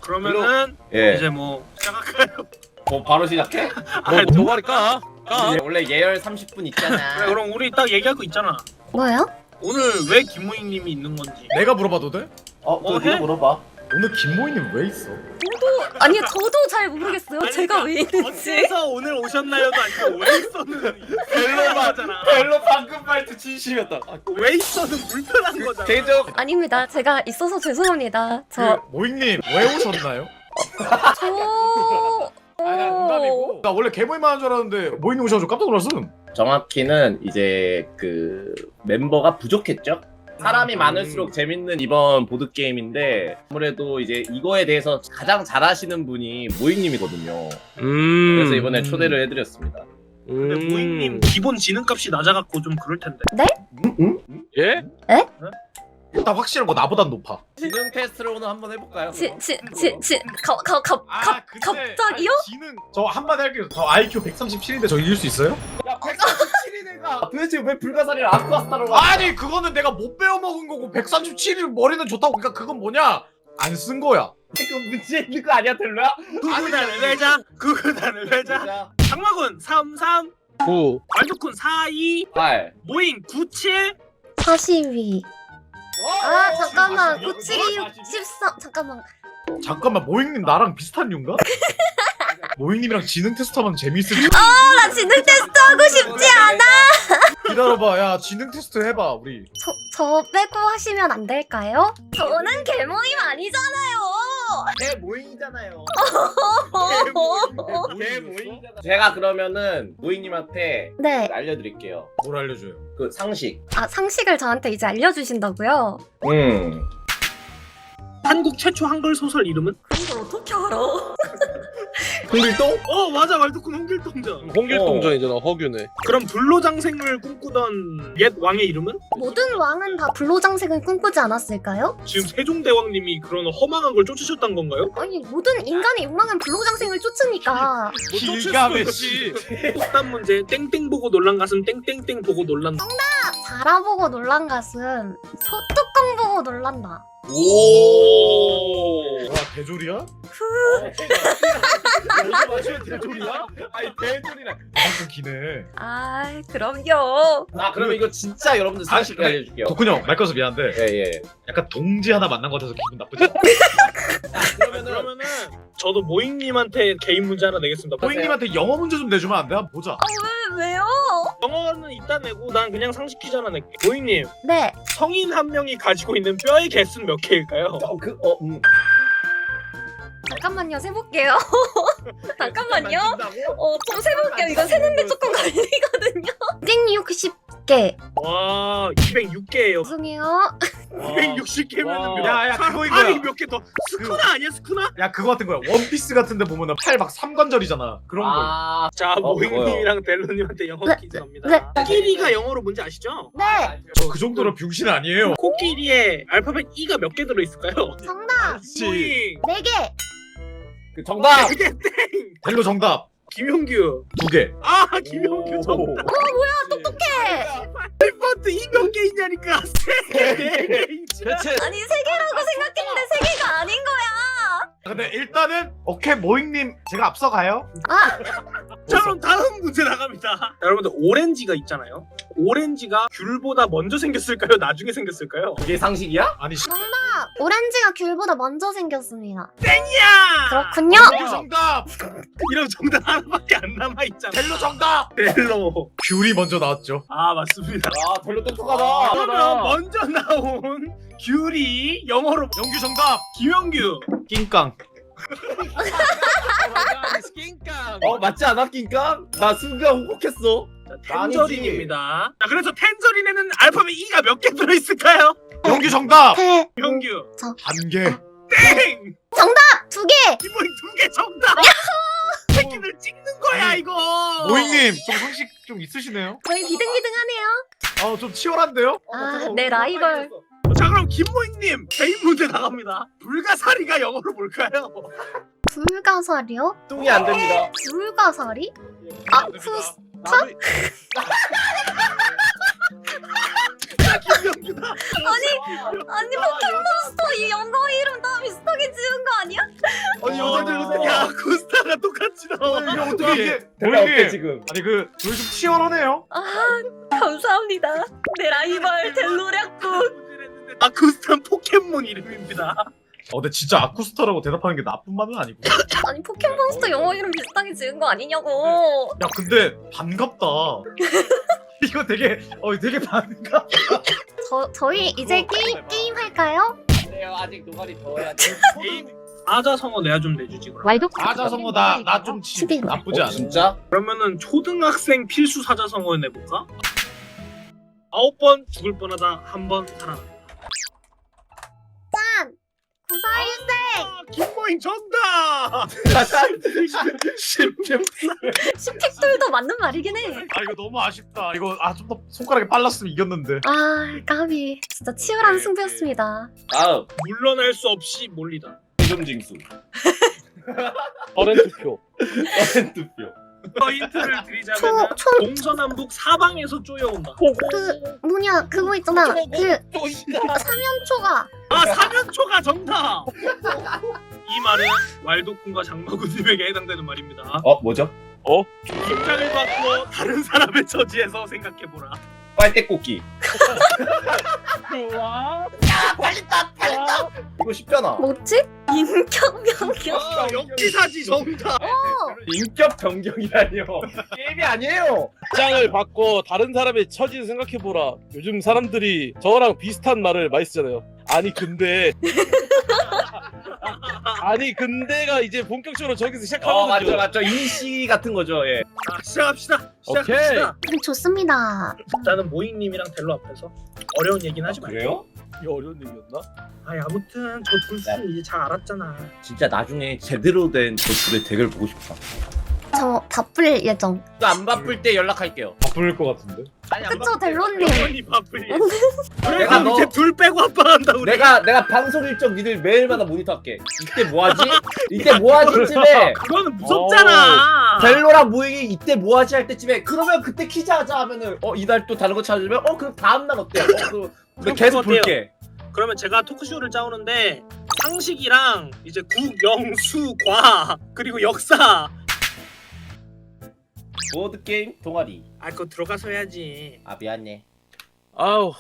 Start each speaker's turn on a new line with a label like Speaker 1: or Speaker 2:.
Speaker 1: 그러면은
Speaker 2: 예.
Speaker 1: 이제 뭐 시작할까요?
Speaker 2: 뭐 바로 시작해?
Speaker 1: 아니,
Speaker 3: 도가리 까.
Speaker 2: 원래 예열 30분 있잖아.
Speaker 1: 그래, 그럼 우리 딱 얘기할 거 있잖아.
Speaker 4: 뭐요?
Speaker 1: 오늘 왜 김무익님이 있는 건지.
Speaker 5: 내가 물어봐도 돼?
Speaker 2: 그거
Speaker 1: 해?
Speaker 2: 네가 물어봐.
Speaker 5: 오늘 김모이님 왜 있어?
Speaker 4: 아니 저도 잘 모르겠어요.
Speaker 1: 아니,
Speaker 4: 제가 왜 있는지.
Speaker 1: 어째서 오늘 오셨나요도 아니고 왜 있었는 별로잖아.
Speaker 2: 별로 방금 말투 진심이었다.
Speaker 1: 왜 있어는 불편한 거잖아.
Speaker 2: 개인적
Speaker 4: 아닙니다. 제가 있어서 죄송합니다. 저
Speaker 5: 모잉님 왜 오셨나요?
Speaker 4: 저.
Speaker 5: 아니 나 농담이고 나 원래 개모임만 한 줄 알았는데 모잉님 오셔가지고 깜짝 놀랐음.
Speaker 2: 정확히는 이제 그 멤버가 부족했죠. 사람이 많을수록 재밌는 이번 보드 게임인데 아무래도 이제 이거에 대해서 가장 잘하시는 분이 모잉님이거든요. 그래서 이번에 초대를 해드렸습니다.
Speaker 1: 근데 무익님 기본 지능값이 낮아갖고 좀 그럴 텐데.
Speaker 3: 예?
Speaker 5: 일단 확실한 거 나보단 높아.
Speaker 2: 지능 테스트를 오늘 한번 해볼까요?
Speaker 4: 갑자기요?
Speaker 5: 지능 저 한마디 할게요. 저 IQ 137인데 저 이길 수 있어요?
Speaker 2: 야 137이 내가 도대체 왜 불가사리를 아쿠아스타로 와?
Speaker 5: 아니 그거는 내가 못 배워 먹은 거고 137이 머리는 좋다고. 그러니까 그건 뭐냐? 안 쓴 거야.
Speaker 2: 그 문제 있는 거 아니야 델로야?
Speaker 1: 구구단을 외자. 구구단을 외자.
Speaker 2: 자,
Speaker 1: 장마군 33.
Speaker 3: 9.
Speaker 1: 말두쿤 42.
Speaker 2: 8
Speaker 1: 모잉 97.
Speaker 4: 42. 아 잠깐만.
Speaker 5: 42.
Speaker 4: 97이 63. 잠깐만.
Speaker 5: 잠깐만 모잉님 나랑 비슷한 류인가? 모잉님이랑 지능 테스트하면 재밌을 줄.
Speaker 4: 나 지능 테스트 하고 싶지 않아.
Speaker 5: 기다려봐. 야 지능 테스트 해봐 우리.
Speaker 4: 저 빼고 하시면 안 될까요? 저는 개모임 아니잖아요.
Speaker 2: 개 모잉이잖아요. 개 모잉이잖아. 제가 그러면은 모잉님한테
Speaker 4: 네.
Speaker 2: 알려드릴게요.
Speaker 5: 뭘 알려줘요?
Speaker 2: 그 상식.
Speaker 4: 아 상식을 저한테 이제 알려주신다고요?
Speaker 1: 한국 최초 한글 소설 이름은?
Speaker 4: 그런 걸 어떻게 알아?
Speaker 2: 홍길동?
Speaker 1: 맞아, 말두쿤 홍길동전.
Speaker 3: 홍길동전이잖아. 허균의.
Speaker 1: 그럼 불로장생을 꿈꾸던 옛 왕의 이름은?
Speaker 4: 모든 왕은 다 불로장생을 꿈꾸지 않았을까요?
Speaker 1: 지금 세종대왕님이 그런 허망한 걸 쫓으셨던 건가요?
Speaker 4: 아니 모든 인간의 욕망은 불로장생을 쫓으니까.
Speaker 5: 길가메시.
Speaker 1: 일단 문제 땡땡 보고 놀란 가슴 땡땡땡 보고 놀란다.
Speaker 4: 바라보고 놀란 가슴 소뚜껑 보고 놀란다.
Speaker 2: 오.
Speaker 5: 와 대졸이야?
Speaker 2: 대졸이야? 아니 대졸이라.
Speaker 5: 방금 기네.
Speaker 4: 아 그럼요.
Speaker 2: 그러면 이거 진짜 여러분들 상식
Speaker 5: 근데
Speaker 2: 알려줄게요.
Speaker 5: 덕훈이 형 말 꺼서 미안한데
Speaker 2: 예예.
Speaker 5: 약간 동지 하나 만난 것 같아서 기분 나쁘지 않아.
Speaker 1: 그러면은 저도 모잉님한테 개인 문제 하나 내겠습니다.
Speaker 5: 모잉님한테 영어 문제 좀 내주면 안 돼? 한번 보자.
Speaker 4: 왜요?
Speaker 1: 영어는 이따 내고 난 그냥 상식 퀴즈 하나 낼게. 모잉님,
Speaker 4: 네.
Speaker 1: 성인 한 명이 가지고 있는 뼈의 개수는 몇 개일까요?
Speaker 4: 잠깐만요. 세볼게요. 잠깐만요. 좀 세볼게요. 이거 세는데 조금 걸리거든요. 260개.
Speaker 1: 와, 206개예요.
Speaker 4: 죄송해요.
Speaker 1: 260개면은 몇?
Speaker 5: 야, 그거 이거야.
Speaker 1: 팔이 몇 개 더? 스쿠나 아니야, 스쿠나?
Speaker 5: 야 그거 같은 거야. 원피스 같은데 보면은 팔 막 삼관절이잖아. 그런 거.
Speaker 1: 자, 모잉님이랑 델로님한테 영어
Speaker 4: 네,
Speaker 1: 퀴즈 갑니다.
Speaker 4: 네.
Speaker 1: 코끼리가 영어로 뭔지 아시죠?
Speaker 4: 네.
Speaker 5: 저 그 정도로 병신 아니에요.
Speaker 1: 코끼리에 알파벳 E가 몇 개 들어있을까요?
Speaker 4: 정답.
Speaker 1: 모잉!
Speaker 4: 4개.
Speaker 2: 그 정답.
Speaker 1: 이게 땡!
Speaker 5: 델로 정답
Speaker 1: 김용규.
Speaker 5: 2개.
Speaker 1: 아, 김용규 정답.
Speaker 4: 똑똑해.
Speaker 1: 알파벳 E 몇 개 있냐니까. 4개 있지.
Speaker 3: 대체
Speaker 4: 아니 3개라고 생각했는데 3개가 아닌 거야.
Speaker 5: 근데 일단은 오케이 모잉님 제가 앞서가요.
Speaker 4: 아
Speaker 1: 자, 그럼 다음 문제 나갑니다. 자, 여러분들 오렌지가 있잖아요. 오렌지가 귤보다 먼저 생겼을까요? 나중에 생겼을까요?
Speaker 2: 이게 상식이야?
Speaker 5: 아니
Speaker 4: 정답. 오렌지가 귤보다 먼저 생겼습니다.
Speaker 1: 땡이야!
Speaker 4: 그렇군요.
Speaker 5: 델로 정답.
Speaker 1: 이런 정답 하나밖에 안 남아있잖아.
Speaker 5: 델로 정답.
Speaker 1: 델로.
Speaker 5: 귤이 먼저 나왔죠.
Speaker 1: 아, 맞습니다.
Speaker 2: 아 별로 똑똑하다.
Speaker 1: 그러면 먼저 나온 귤이 영어로
Speaker 5: 영규 정답.
Speaker 1: 김영규.
Speaker 5: 낑깡.
Speaker 3: 스킨깡.
Speaker 2: 맞지 않아 낑깡? 나 순간 혹혹했어.
Speaker 1: 자, 텐저린입니다. 자, 그래서 텐저린에는 알파벳 E가 몇 개 들어있을까요?
Speaker 5: 영규 정답.
Speaker 4: 태.
Speaker 1: 영규.
Speaker 5: 한 개.
Speaker 1: 땡!
Speaker 4: 2개.
Speaker 1: 기본이 2개 정답! 새끼들 찍는 거야, 이거!
Speaker 5: 모잉님 좀 상식 좀 있으시네요.
Speaker 4: 저희 비등비등하네요.
Speaker 5: 좀 치열한데요?
Speaker 4: 아, 내 라이벌.
Speaker 1: 자, 그럼 김모잉님 개인 문제 나갑니다. 불가사리가 영어로 뭘까요?
Speaker 4: 불가사리요?
Speaker 2: 뚱이 안 됩니다.
Speaker 4: 불가사리? 아쿠스.
Speaker 1: 김영규다.
Speaker 4: 아니 포켓몬스터 이 영어 이름 다 비슷하게 지은 거 아니야?
Speaker 5: 이게 어떻게 이게
Speaker 2: 대박 어때
Speaker 5: 모잉님
Speaker 2: 지금?
Speaker 5: 아니 그 저희 좀 치열하네요.
Speaker 4: 아 감사합니다. 내 라이벌 델로략군.
Speaker 1: 아쿠스탄 포켓몬 이름입니다.
Speaker 5: 근데 진짜 아쿠스타라고 대답하는 게 나쁜 말은 아니고.
Speaker 4: 아니 포켓몬스터 영어 이름 비슷하게 지은 거 아니냐고.
Speaker 5: 야 근데 반갑다. 이거 되게 반갑.
Speaker 4: 저희 이제 게임 할까요?
Speaker 2: 그래요 아직 노가리 더 해야 돼.
Speaker 1: 게임 아자성어 내가 좀 내주지 그럼.
Speaker 4: 왈도
Speaker 5: 사자성어 나좀 나쁘지 않아.
Speaker 2: 진짜?
Speaker 1: 그러면은 초등학생 필수 사자성어 내볼까? 9번 죽을 뻔하다 1번 살아난다.
Speaker 4: 구사일생
Speaker 1: 김모잉 정답!
Speaker 4: 10팩돌도 맞는 말이긴 해.
Speaker 5: 아 이거 너무 아쉽다. 이거 좀 더 손가락에 빨랐으면 이겼는데.
Speaker 4: 아 까비 진짜 치열한 승부였습니다.
Speaker 2: 다음
Speaker 1: 물러날 수 없이 몰리다.
Speaker 2: 세금징수.
Speaker 3: 어렌 투표.
Speaker 2: 투표.
Speaker 1: 힌트를 드리자면 동서남북 사방에서 쪼여온다.
Speaker 4: 그 뭐냐 그거 있잖아. 그
Speaker 3: 또 있다.
Speaker 4: 사면초가
Speaker 1: 아 사면초가 정답! 이 말은 왈도쿤과 장마구님에게 해당되는 말입니다.
Speaker 2: 뭐죠?
Speaker 1: 입장을 바꾸어 다른 사람의 처지에서 생각해보라.
Speaker 2: 빨대꽃기.
Speaker 3: 좋아.
Speaker 2: 이거 쉽잖아.
Speaker 4: 뭐지? 인격명령.
Speaker 1: 역지사지 정답!
Speaker 2: 인격 변경이라뇨. 게임이 아니에요.
Speaker 3: 입장을 바꿔 다른 사람의 처지를 생각해보라. 요즘 사람들이 저랑 비슷한 말을 많이 쓰잖아요. 아니 근데가 이제 본격적으로 저기서 시작하거든요.
Speaker 2: 맞죠. 인시 같은 거죠. 예.
Speaker 1: 자 시작합시다.
Speaker 3: 오케이.
Speaker 1: 시작합시다.
Speaker 4: 좋습니다.
Speaker 1: 일단은 모잉님이랑 델로 앞에서 어려운 얘기는 하지 말고.
Speaker 2: 그래요?
Speaker 3: 이게 어려운 얘기였나?
Speaker 1: 아니 아무튼 저 둘씩 이제 잘 알았잖아.
Speaker 2: 진짜 나중에 제대로 된 저 둘의 대결 보고 싶다.
Speaker 4: 저 바쁠 예정.
Speaker 2: 또 안 바쁠 때 연락할게요.
Speaker 5: 바쁠 것 같은데.
Speaker 2: 아니, 안
Speaker 4: 그쵸 델로님.
Speaker 1: 영원히 바쁘니.
Speaker 2: 내가
Speaker 1: 내가
Speaker 2: 너-
Speaker 1: 이제 둘 빼고 합방한다 우리.
Speaker 2: 내가 방송 일정 니들 매일마다 모니터할게. 이때 뭐하지? 이때 뭐하지쯤에
Speaker 1: 그거는 무섭잖아.
Speaker 2: 델로랑 모잉이 이때 뭐하지 할 때쯤에 그러면 그때 키즈 하자 하면은 이달 또 다른 거 찾아주면 그럼 다음 날 어때요? 그럼 계속
Speaker 1: 어때요?
Speaker 2: 볼게.
Speaker 1: 그러면 제가 토크쇼를 짜오는데 상식이랑 이제 국, 영, 수, 과 그리고 역사
Speaker 2: 보드 게임 동아리.
Speaker 1: 그거 들어가서 해야지.
Speaker 2: 아 미안해.
Speaker 3: 아우.